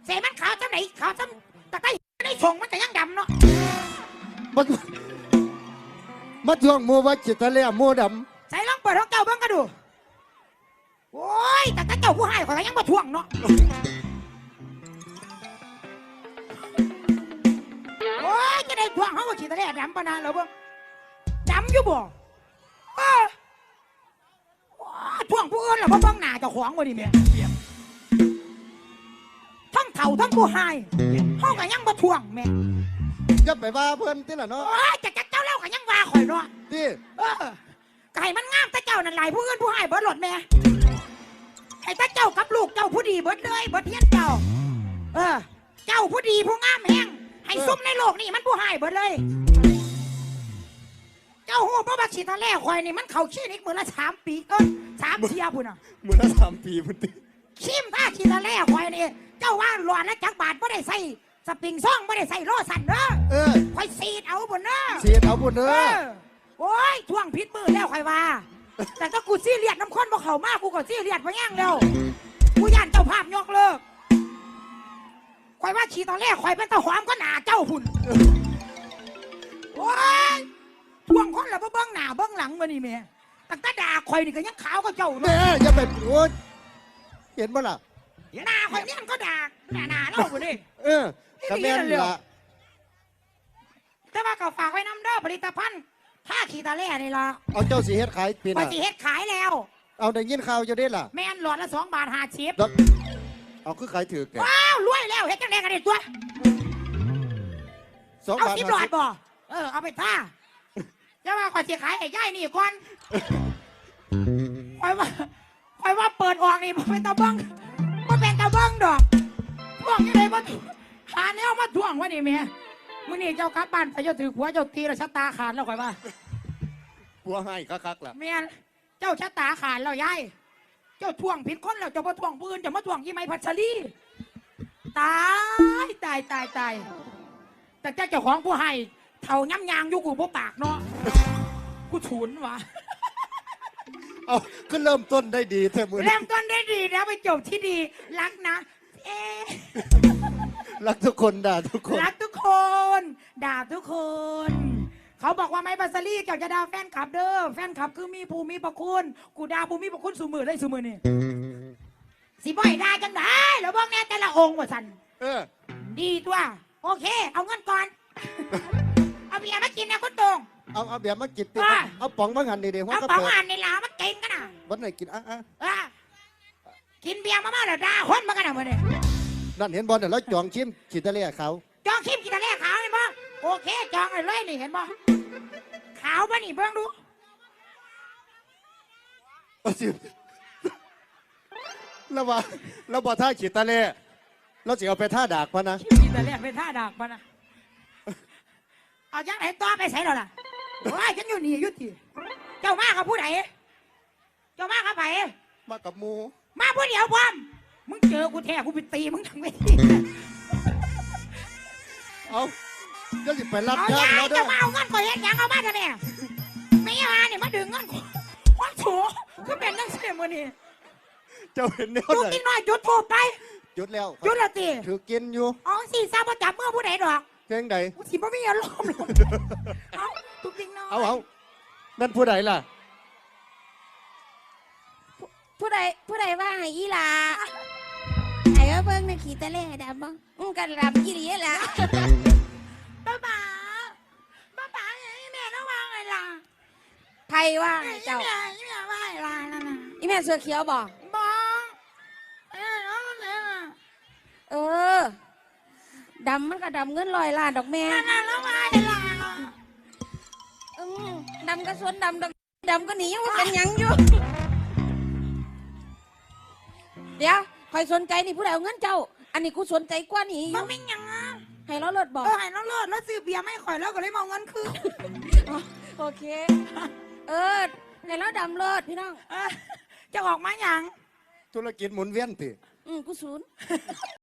เสมันขาวจังไหนขาวจังแต่ใต้ในส่งมันจะยังดำเนาะมาทวงโมว่าจิตทะเลโมดใส่ลองเปิดของเก่าเบิ่งกันดูโอ้ยแต่เจ้าผู้ให้ข่อยก็ยังมาทวงเนาะโอ้ยจะได้ทวงเขาว่าฉีดทะเลดำปะนานแล้วเบิ่งดำอยู่บ่ทวงผู้อื่นหรอเพราะบ้องหน้าเจ้าของวะนี่เมียทั้งเถ่าทั้งผู้ให้ห้องก็ยังมาทวงแม่จะไปว่าเพื่อนที่ละเนาะโอ้ยจะเจ้าเล่าก็ยังว่าข่อยเนาะที่ไก่มันงามแต่เจ้านั่นไหลผู้อื่นผู้ให้เบิดหลดแม่ไอ้ตาเจ้ากับลูกเจ้าผู้ดีเบิดเลยเบิดเทียนเจ้าเจ้าผู้ดีผู้งามแห้งให้ซุ่มในโลกนี่มันผู้ให้เบิดเลยเจ้าหูเพราะว่าฉีดทะเลควายนี่มันเข่าขี้นิกมือละ3 ปี3 เทียพุ่นอ่ะมือละ3 ปีพุ่นติชิมถ้าฉีดทะเลควายนี่เจ้าว่าหลอนและจักบาทไม่ได้ใส่สปริงซ่องไม่ได้ใส่โลสันเด้อควายสีดเอาบุญเด้อสีดเอาบุญเด้อโอ้ยท่วงพิษมือแล้วควายว่าแต่ถ้ากูซี่เลียดน้ำข้นบ่เข่ามากกูก็ซี่เลียดมาแย่งแล้วกูย่านเจ้าภาพยกเลิกควายว่าฉีดทะเลควายเป็นตะหอมก็หนาเจ้าหุ่นโอ้ยท่วงคนละเบื้องหน้าเบื้องหลังมานี่เมียตั้งแต่ด่าคอยนี่ก็ยังขาวก็เจ้าเนี่ยอย่าไปโอ้เห็นบ่ล่ะหน้าคอยนี่มันก็ด่าหน้าเล่าคนนี้กระแม่นละแต่ว่าก็ฝากไว้น้ำเด้อผลิตภัณฑ์ผ้าขีตาเล่นี่ละเอาเจ้าสีเฮ็ดขายปีน่ะสีเฮ็ดขายแล้วเอาได้ยินข่าวจะได้ล่ะแม่นหลอดละ2 บาท50 เอาคือขายถือแกว้าวรวยแล้วเฮ็ดจังได๋กันได้ตัว 2 บาท 10 หลอดบ่เอาไปท่าจะว่าก่อนสิขายไอ้ย่ายนี่ก่อนคอยว่าเปิดออกนี่บ่เป็นตะบังบ่เป็นตะบังดอกท่วงยังไงบ่หาแนวมาท่วงวะนี่แม่มื้อนี้เจ้ากลับบ้านไปเจ้าถือหัวเจ้าตีแล้วชะตาขาดแล้วคอยว่าหัวให้คักๆล่ะแม่เจ้าชะตาขาดแล้วยายเจ้าท่วงผิดคนแล้วเจ้าบ่ท่วงปืนจะมาท่วงยี่ไม้พัชรีตายแต่เจ้าของผู้ให้เท่าย้ำยางอยู่กูบ่ปากเนาะกูฉุนวะเอาก็เริ่มต้นได้ดีแท้มือเริ่มต้นได้ดีแล้วไปจบที่ดีรักนะรักทุกคนด่าทุกคนรักทุกคนด่าทุกคน เขาบอกว่าไม้บัสลี่เจ้าจะด่าแฟนคลับเด้อแฟนคลับคือมีภูมิประคุณกูด่าภูมิประคุณสูมือได้สูมือนี่สิบ่อยด่าจังได้แล้วบอกแน่แต่ละองค์ว่าสันดีตัวโอเคเอาเงินก่อนเอาเบียร์มากินนะคุณตงเอาเบียร์มากินติเอาป๋องมาหันดีๆเอาป๋องหันในหลามากินกันนะวันไหนกินกินเบียร์มาแล้วด่าคนมากันนะเมื่อนี้นั่นเห็นบอลเนี่ยแล้วจองชิมขีดทะเลเขาจองชิมขีดทะเลขาวเห็นบ่โอเคจองเลยนี่เห็นบ่ขาวป่ะนี่เบิ่งดูแล้วว่าท่าขีดทะเลเราจะเอาไปท่าดากพะนะขีดทะเลไปท่าดากพะนะเอาจังไหนต่อไปใส่หรอล่ะว้ายฉันอยู่นี่ยุติเจ้ามากับผู้ใดเจ้ามากับไผมากับมูมาผู้เดียวพร้อมมึงเจอกูแท้กูไปตีมึงทั้งเวทีเอาก็จะไปรับจ้างแล้วเด้อจะมาเอาเงินก่อนเห็นยังเอามาทำไมไม่ยาเนี่ยมาดึงเงินวันโถก็เป็นนักเสียมือนี่เจ้าเห็นเนี่ยจุดกินหน่อยจุดถูกไปจุดแล้วจุดละตีถือกินอยู่อ๋อสิทราบว่าจับเมื่อผู้ใดดอกเพลงใดสิบ่มีอารมณ์เอาตุกติงน้อยเอานั่นผู้ใดล่ะผู้ใดว่าให้อีหลาไอ้ว่าเบิ่งในขีตะเล่ดำบ้งกันดำกี่ดีล่ะป้าป๋าไอ้แม่ต้องว่าไงล่ะไผว่าเจ้าแม่ว่าไงล่ะนั่นน่ะอีแม่เสื้อเขียวบ่ดำมันก็ดำเงิน100 ล้านดอกแม่แล้วว่าไงล่ะดำก็สวนดำก็หนียังว่าเป็นยังอยู่เดี๋ยวคอยสนใจนี่ผู้ใดเอาเงินเจ้าอันนี้กูสนใจกว่านี่มันไม่ยังให้เราเลิศบอกให้เราเลิศแล้วซื้อเบียร์ไม่ข่อยแล้วก็เลยมองเงินคืนโอเคให้เราดำเลิศพี่น้องจะออกมาอย่างธุรกิจหมุนเวียนติกูศูนย์